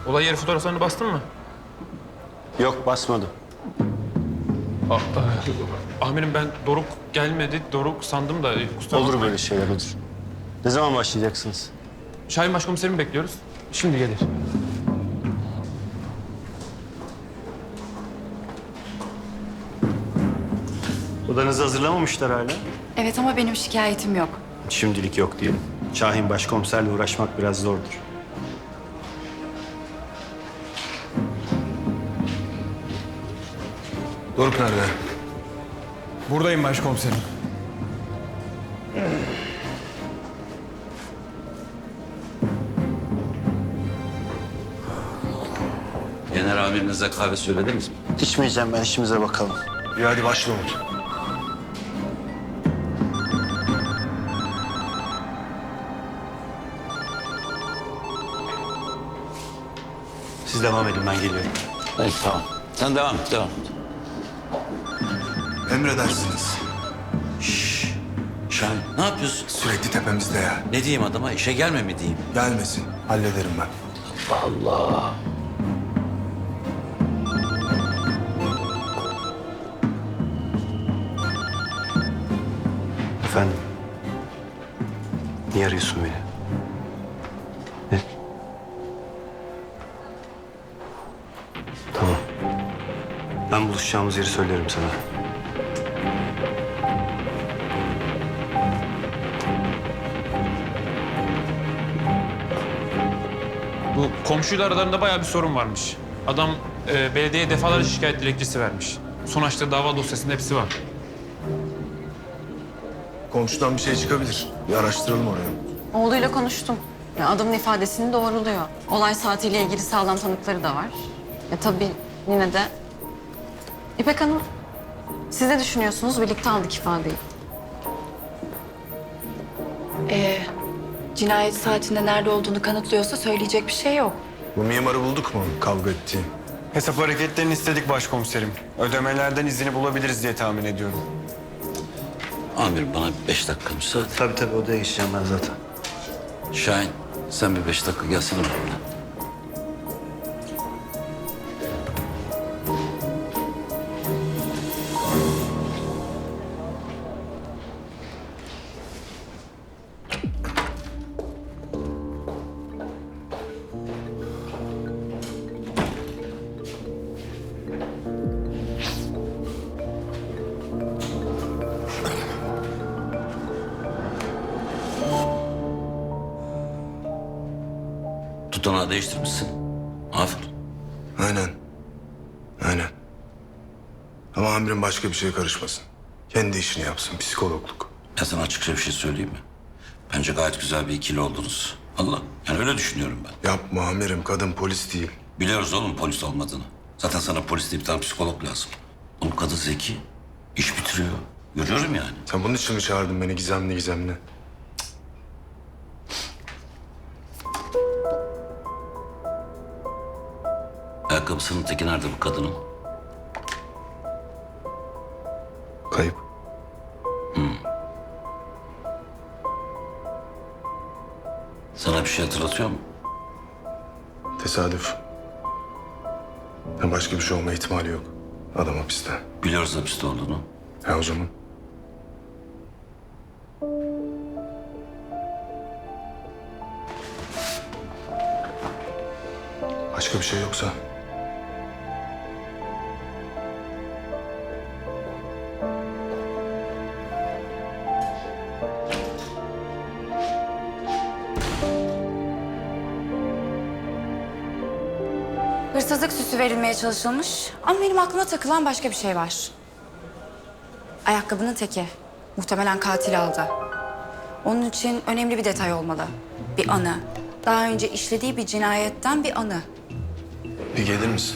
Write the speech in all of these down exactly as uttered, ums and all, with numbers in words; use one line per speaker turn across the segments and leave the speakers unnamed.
Olay yeri fotoğraflarını bastın mı?
Yok, basmadım.
A e, amirim ben Doruk gelmedi. Doruk sandım da. e, kusura
Olur
bakmayın.
böyle şeyler, olur. Ne zaman başlayacaksınız?
Şahin başkomiserimi bekliyoruz. Şimdi gelir.
Odanızı hazırlamamışlar hala.
Evet ama benim şikayetim yok.
Şimdilik yok diyelim. Şahin başkomiserle uğraşmak biraz zordur.
Doruk nerede?
Buradayım başkomiserim.
Genel amirinize kahve söylediniz mi?
İçmeyeceğim ben, işimize bakalım.
İyi hadi başla Umut.
Siz devam edin, ben geliyorum.
Evet, tamam. Sen devam et, devam et.
Emredersiniz.
Şahin, ne yapıyorsun?
Sürekli tepemizde ya.
Ne diyeyim adama? İşe gelme mi diyeyim?
Gelmesin. Hallederim ben.
Allah.
Efendim? Niye arıyorsun beni? Ne? Tamam. Ben buluşacağımız yeri söylerim sana.
Bu komşuyla aralarında bayağı bir sorun varmış. Adam e, belediyeye defalarca şikayet dilekçesi vermiş. Son açtığı dava dosyasında hepsi var.
Komşudan bir şey çıkabilir. Bir araştıralım orayı.
Oğluyla konuştum. Ya adamın ifadesini doğruluyor. Olay saatiyle ilgili sağlam tanıkları da var. Ya tabii yine de... İpek Hanım, siz ne düşünüyorsunuz? Birlikte aldık ifadeyi.
Ee, cinayet saatinde nerede olduğunu kanıtlıyorsa söyleyecek bir şey yok.
Bu mimarı bulduk mu kavga ettiği?
Hesap hareketlerini istedik başkomiserim. Ödemelerden izini bulabiliriz diye tahmin ediyorum.
Amir bana beş dakika müsaade.
Tabii tabii, odaya geçeceğim ben zaten.
Şahin, sen bir beş dakika gelsene benimle. Tutanağı değiştirmişsin. Aferin.
Aynen. Aynen. Ama amirim başka bir şeye karışmasın. Kendi işini yapsın, psikologluk.
Ya sana açıkça bir şey söyleyeyim mi? Bence gayet güzel bir ikili oldunuz. Allah. Yani öyle düşünüyorum ben.
Yapma amirim, kadın polis değil.
Biliyoruz oğlum polis olmadığını. Zaten sana polis değil bir tane psikolog lazım. Oğlum kadın zeki. İş bitiriyor. Görüyorum yani.
Sen bunun için mi çağırdın beni gizemli gizemli?
Ayakkabısının teki nerede bu kadının?
Kayıp.
Sana bir şey hatırlatıyor mu?
Tesadüf. Ya başka bir şey olma ihtimali yok. Adam hapiste.
Biliyoruz hapiste olduğunu.
Ya o zaman? Başka bir şey yoksa?
Hırsızlık süsü verilmeye çalışılmış ama benim aklıma takılan başka bir şey var. Ayakkabının teki. Muhtemelen katil aldı. Onun için önemli bir detay olmalı. Bir anı. Daha önce işlediği bir cinayetten bir anı.
Bir gelir misin?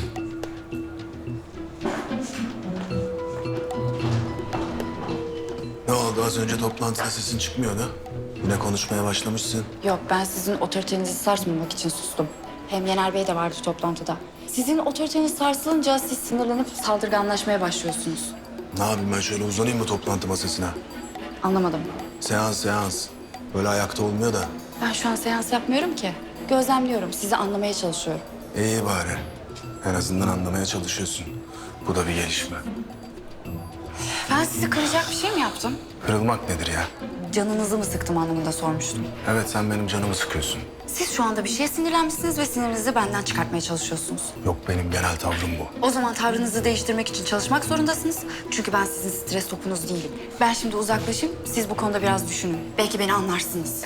Ne oldu? Az önce toplantıda sesin çıkmıyordu. Yine konuşmaya başlamışsın.
Yok, ben sizin otoritenizi sarsmamak için sustum. Hem Yener Bey de vardı toplantıda. Sizin otoriteniz sarsılınca siz sinirlenip saldırganlaşmaya başlıyorsunuz.
Ne yapayım ben, şöyle uzanayım mı toplantı masasına?
Anlamadım.
Seans seans. Böyle ayakta olmuyor da.
Ben şu an seans yapmıyorum ki. Gözlemliyorum, sizi anlamaya çalışıyorum.
İyi bari. En azından anlamaya çalışıyorsun. Bu da bir gelişme.
Ben sizi kıracak bir şey mi yaptım?
Kırılmak nedir ya?
Canınızı mı sıktım anlamında sormuştum.
Evet, sen benim canımı sıkıyorsun.
Siz şu anda bir şeye sinirlenmişsiniz ve sinirinizi benden çıkartmaya çalışıyorsunuz.
Yok, benim genel tavrım bu.
O zaman tavrınızı değiştirmek için çalışmak zorundasınız. Çünkü ben sizin stres topunuz değilim. Ben şimdi uzaklaşayım, siz bu konuda biraz düşünün. Belki beni anlarsınız.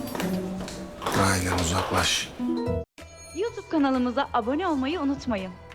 Aynen, uzaklaş.
YouTube kanalımıza abone olmayı unutmayın.